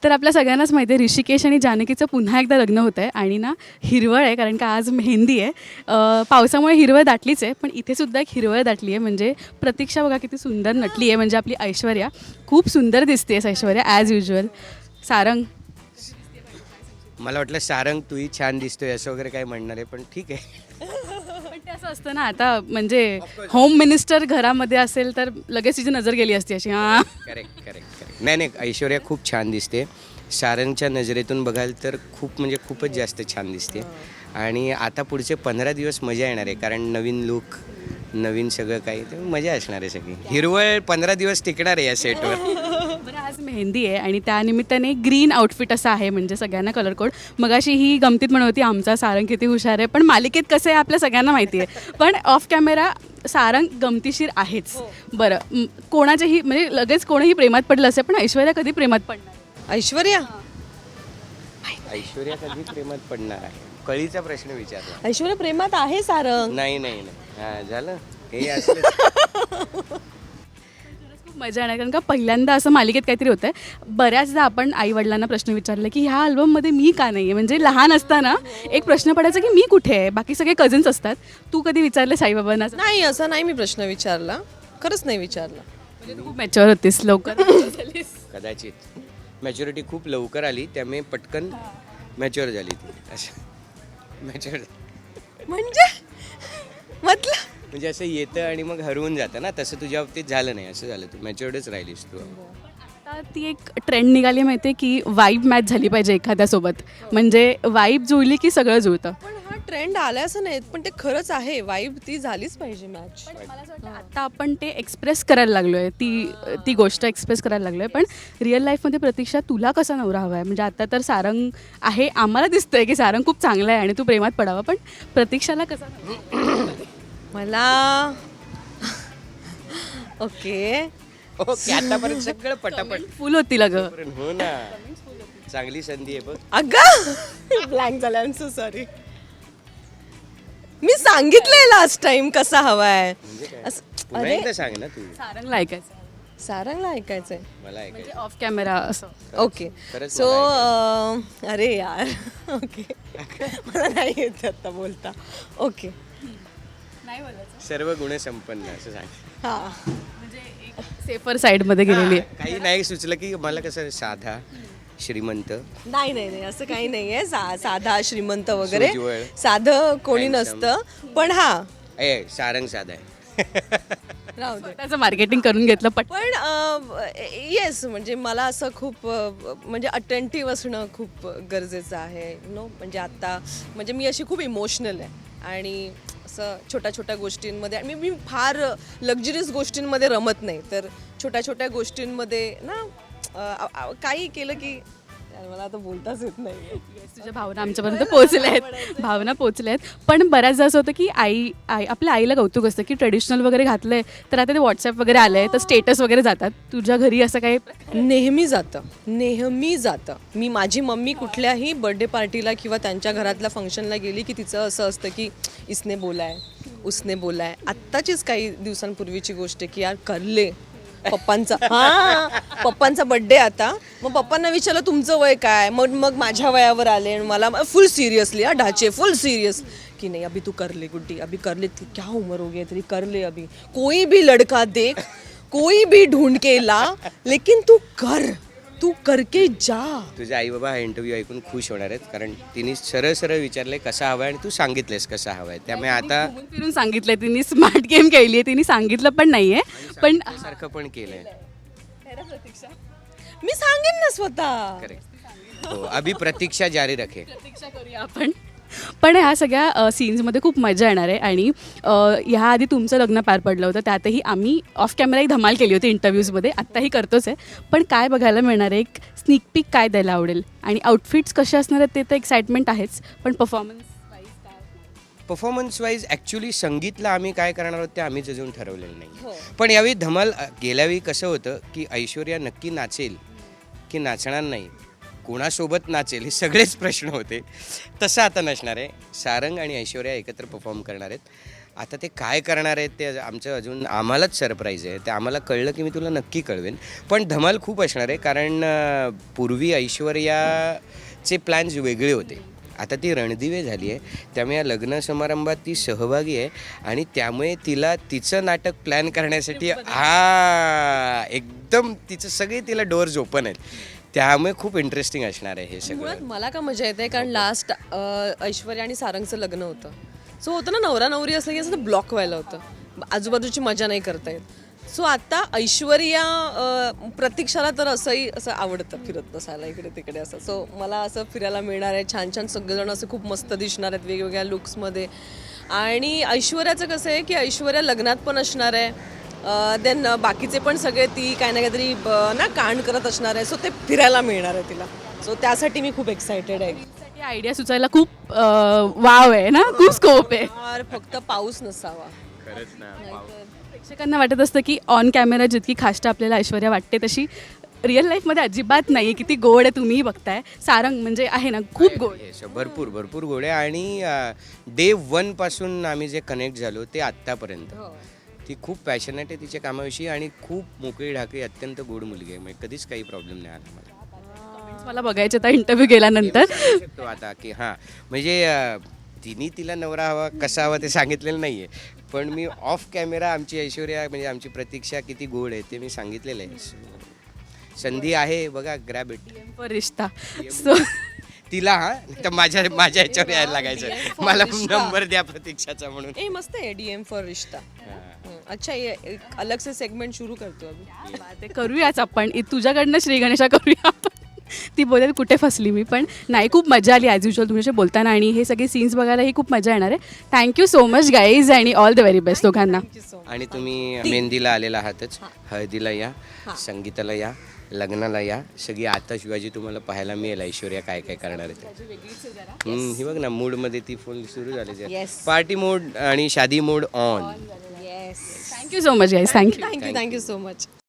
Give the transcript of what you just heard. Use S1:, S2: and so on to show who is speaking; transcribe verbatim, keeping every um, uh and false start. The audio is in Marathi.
S1: तर आपल्या सगळ्यांनाच माहिती आहे ऋषिकेश आणि जानकीचं पुन्हा एकदा लग्न होतं आहे आणि ना हिरवळ आहे कारण का आज मेहंदी आहे. अ, पावसामुळे हिरवळ दाटलीच आहे पण इथे सुद्धा एक हिरवळ दाटली आहे. म्हणजे प्रतीक्षा बघा किती सुंदर नटली आहे. म्हणजे आपली ऐश्वर्या खूप सुंदर दिसते आहे ऐश्वर्या ॲज युजल. सारंग
S2: मला वाटलं सारंग तूही छान दिसतोय असं वगैरे काय म्हणणार आहे, पण ठीक आहे.
S1: पण ते असं असतं ना आता म्हणजे होम मिनिस्टर घरामध्ये असेल तर लगेच तिची नजर गेली असती अशी हां.
S2: करेक्ट करेक्ट करेक्ट नाही नाही ऐश्वर्या खूप छान दिसते. सारंगच्या नजरेतून बघाल तर खूप म्हणजे खूपच जास्त छान दिसते. आणि आता पुढचे पंधरा दिवस मजा येणार आहे कारण नवीन लुक नवीन सगळं काही ते मजा असणार आहे सगळी. हिरवळ पंधरा दिवस टिकणार आहे या सेटवर.
S1: बरं आज मेहंदी आहे आणि त्यानिमित्ताने ग्रीन आउटफिट असा आहे म्हणजे सगळ्यांना कलर कोड. मगाशी ही गमतीत म्हणत होती आमचा सारंग किती हुशार आहे पण मालिकेत कसं आहे आपल्या सगळ्यांना माहिती आहे. पण ऑफ कॅमेरा सारंग गमतीशीर आहेच. बरं म, कोणाच्याही म्हणजे लगेच कोणीही प्रेमात पडलं असेल पण ऐश्वर्या कधी प्रेमात पडणार?
S3: ऐश्वर्या
S2: ऐश्वर्या कधी प्रेमात पडणार आहे कळीचा प्रश्न विचारला.
S3: ऐश्वर्या प्रेमात आहे सारंग.
S2: नाही नाही नाही हां झालं हे असलं.
S1: खूप मजा येणार कारण का पहिल्यांदा असं मालिकेत काहीतरी होतं आहे. बऱ्याचदा आपण आईवडिलांना प्रश्न विचारला की ह्या अल्बममध्ये मी का नाही आहे. म्हणजे लहान असताना एक प्रश्न पडायचा की मी कुठे आहे. बाकी सगळे कझन्स असतात. तू कधी विचारले साईबाबांना?
S3: नाही असं नाही मी प्रश्न विचारला, खरंच नाही विचारला.
S1: म्हणजे तू खूप मॅच्युअर होतीस लवकर झालीस.
S2: कदाचित मॅच्युरिटी खूप लवकर आली त्यामुळे पटकन मॅच्युअर झाली ती असं. मॅच्युअर
S3: म्हणजे म्हटलं
S2: म्हणजे असं येतं आणि मग हरवून जातं ना, तसं तुझ्या बाबतीत झालं नाही. असं झालं, तू मॅच्युअर्डच राहिलीस तू.
S1: आता ती एक ट्रेंड निघाली माहिती आहे की वाईब मॅच झाली पाहिजे एखाद्यासोबत. म्हणजे वाईब जुळली की सगळं जुळतं.
S3: पण हा ट्रेंड आला असं नाही पण ते खरंच आहे. वाईब ती झालीच पाहिजे मॅच.
S1: मला असं वाटतं आता आपण ते एक्सप्रेस करायला लागलो आहे. ती ती गोष्ट एक्सप्रेस करायला लागलो आहे. पण रिअल लाईफमध्ये प्रतीक्षा तुला कसा नवरा हवा आहे? म्हणजे आता तर सारंग आहे आम्हाला दिसतंय की सारंग खूप चांगला आहे आणि तू प्रेमात पडावा पण प्रतीक्षाला कसा नवरा?
S3: मला ओके
S2: ओके आतापर्यंत सगळं पटापट.
S1: फुल होती लग.
S2: हो ना, चांगली संधी आहे बघ.
S3: अगं ब्लँक झालं. I am so sorry. मी सांगितलंय लास्ट टाइम कसा हवाय.
S2: म्हणजे काय?
S3: असं-
S2: पुन्हा
S3: अरे
S2: एकदा सांग ना तू.
S1: सारंगला ऐकायचं
S3: सारंगला ऐकायचंय.
S2: मला ऐकायचं.
S1: म्हणजे ऑफ कॅमेरा असं.
S3: ओके
S2: खरंच
S3: सो
S2: मला
S3: अरे यार ओके मला नाही येत आता बोलता. ओके
S1: नाही बोलायचं
S2: सर्व गुण संपन्न असं सांग.
S3: हां
S1: म्हणजे एक सेफर साईडमध्ये गेलेली आहे.
S2: काही नाही सुचलं की मला कसं साधा श्रीमंत
S3: नाही नाही नाही असं काही नाही आहे. सा साधा श्रीमंत वगैरे
S2: सोज्वळ.
S3: साधं कोणी
S2: Handsome.
S3: नसतं पण हा
S2: ए सारंग साधा आहे.
S3: राहू दे.
S1: त्याचं मार्केटिंग करून घेतलं पट.
S3: पण येस म्हणजे मला असं खूप अ, म्हणजे अटेंटिव्ह असणं खूप गरजेचं आहे. नो म्हणजे आत्ता म्हणजे मी अशी खूप इमोशनल आहे आणि असं छोट्या छोट्या गोष्टींमध्ये आणि मी मी फार लक्झरियस गोष्टींमध्ये रमत नाही. तर छोट्या छोट्या गोष्टींमध्ये ना अ, आ- आ- काही केलं की यार, मला आता बोलताच येत नाही.
S1: तुझ्या भावना आमच्यापर्यंत पोहोचल्या आहेत. भावना पोहोचल्या आहेत. पण बऱ्याचदा असं होतं की आई आई आपल्या आईला कौतुक असतं की ट्रेडिशनल वगैरे घातलंय तर आता ते व्हॉट्सअप वगैरे आलंय तर स्टेटस वगैरे जातात. तुझ्या घरी असं काही
S3: नेहमी जातं नेहमी जातं. मी माझी मम्मी कुठल्याही बर्थडे पार्टीला किंवा त्यांच्या घरातल्या फंक्शनला गेली की तिचं असं असतं की इसने बोलाय उसने बोलाय. आत्ताचीच काही दिवसांपूर्वीची गोष्ट आहे की यार करले पप्पांचा हां पप्पांचा बड्डे आता. मग पप्पांना विचारलं तुमचं वय काय. मग मग माझ्या वयावर आले आणि मला फुल सिरियसली हा ढाचे फुल सिरियस कि नहीं अभी तू कर ले गुड्डी अभी कर ले. क्या उम्र हो गई तेरी कर ले अभी. कोई भी लड़का देख कोई भी ढूंढ के ला लेकिन तू कर तू करके जा.
S2: तुझे आई बाबा हा इंटरव्ह्यू ऐकून खुश होणार आहेत कारण तिने सरळ सरळ विचारले कसा हवाय आणि तू सांगितलेस कसा हवाय. त्यामुळे आता
S1: घुमून फिरून सांगितलंय. तिने स्मार्ट गेम खेळली आहे. तिने सांगितलं पण नाहीये पण
S2: सारखं पण केलंय.
S3: मी सांगेन ना स्वतः.
S2: करेक्ट हो. अभी प्रतीक्षा जारी रखे.
S1: प्रतीक्षा करूया आपण. पण ह्या सगळ्या सीन्समध्ये खूप मजा येणार आहे आणि अ, ह्या आधी तुमचं लग्न पार पडलं होतं त्यातही आम्ही ऑफ कॅमेराही धमाल केली होती इंटरव्ह्यूजमध्ये. आत्ताही करतोच आहे. पण काय बघायला मिळणार आहे एक स्निक पीक काय द्यायला आवडेल आणि आउटफिट्स कसे असणार आहेत ते तर एक्साइटमेंट आहेच पण परफॉर्मन्स
S2: परफॉर्मन्स वाईज ॲक्च्युली संगीतला आम्ही काय करणार आहोत ते आम्हीच अजून ठरवलेलं नाही. पण यावेळी धमाल गेल्यावेळी कसं होतं की ऐश्वर्या नक्की नाचेल की नाचणार नाही, कोणासोबत नाचेल हे सगळेच प्रश्न होते. तसं आता नसणार आहे. सारंग आणि ऐश्वर्या एकत्र परफॉर्म करणार आहेत आता ते काय करणार आहेत ते आमचं अजून आम्हालाच सरप्राईज आहे. ते आम्हाला कळलं की मी तुला नक्की कळवेन. पण धमाल खूप असणार आहे कारण अं, पूर्वी ऐश्वर्याचे प्लॅन्स वेगळे होते. आता ती रणदिवे झाली आहे, त्यामुळे या लग्न समारंभात ती सहभागी आहे आणि त्यामुळे तिला तिचं नाटक प्लॅन करण्यासाठी हा एकदम तिचं सगळे तिला डोअर्स ओपन आहेत. त्यामुळे खूप इंटरेस्टिंग असणार आहे हे सगळं.
S3: मुळात मला का मजा येते कारण लास्ट ऐश्वर्या आणि सारंगचं लग्न होतं. सो होतं ना नवरा नवरी असलं की असं ब्लॉक व्हायला होतं, आजूबाजूची मजा नाही करता येत. सो आता ऐश्वर्या अं, प्रतीक्षाला तर असंही असं आवडतं फिरत बसायला इकडे तिकडे असं. सो मला असं फिरायला मिळणार आहे. छान छान सगळेजण असं खूप मस्त दिसणार आहेत वेगवेगळ्या लुक्समध्ये. आणि ऐश्वर्याचं कसं आहे की ऐश्वर्या लग्नात पण असणार आहे, देन बाकीचे पण सगळे ती काही ना काहीतरी ब- ना कांड करत असणार आहे. सो ते फिरायला मिळणार आहे तिला. सो त्यासाठी मी खूप एक्सायटेड आहे.
S1: आयडिया सुचायला खूप अं, वाव आहे ना, खूप स्कोप आहे.
S3: यार फक्त पाऊस नसावा.
S2: खरंच ना.
S1: प्रेक्षकांना वाटत असतं की ऑन कॅमेरा जितकी खाष्ट आपल्याला ऐश्वर्या वाटते तशी रिअल लाईफमध्ये अजिबात नाही आहे. किती गोड आहे तुम्ही बघताय. सारंग म्हणजे आहे ना खूप गोड.
S2: हे स- भरपूर भरपूर गोड आहे आणि डे वन पासून आम्ही जे कनेक्ट झालो ते आत्तापर्यंत ती खूप पॅशनेट आहे तिच्या कामाविषयी आणि खूप मोकळी ढाकळी अत्यंत गोड मुलगी आहे. म्हणजे कधीच काही प्रॉब्लेम नाही आला मला.
S1: मला बघायचे आता इंटरव्ह्यू गेल्यानंतर.
S2: सांगू शकतो आता की हां म्हणजे अं, तिने तिला नवरा हवा कसा हवा ते सांगितलेलं नाही आहे, पण मी ऑफ कॅमेरा आमची ऐश्वर्या म्हणजे आमची प्रतीक्षा किती गोड आहे ते मी सांगितलेलं आहे. संधी आहे बघा, grab it.
S1: For rishta. So
S2: तिला हा तर माझ्या माझ्या ह्याच्यावर यायला लागायचं, मला नंबर द्या प्रतीक्षाचा म्हणून.
S3: ए मस्त आहे डीएम फॉर रिश्ता. हं, अच्छा ये एक अलग से सेगमेंट सुरू करतो अभी.
S1: ते करूयाच आपण. इ- तुझ्याकडनं श्री गणेशा करूया आपण. ती बोलेल कुठे फसली मी, पण नाही खूप मजा आली ॲज युजल तुमच्याशी बोलताना आणि हे सगळे सीन्स बघायलाही खूप मजा येणार आहे. थँक्यू सो मच गाईज आणि ऑल द व्हेरी बेस्ट दोघांना.
S2: आणि तुम्ही मेहंदीला आलेला आहातच, हळदीला या, संगीताला या, लग्नाला या. सगळी आताशबाजी तुम्हाला पाहायला मिळेल ऐश्वर्या काय काय करणार आहे ते. हम्म, ही बघ ना मूडमध्ये ती फुल सुरू झाली.
S3: Yes.
S2: पार्टी मोड आणि shaadi mode on.
S3: Yes.
S1: Thank you so much guys. Thank you.
S3: Thank you thank you so much.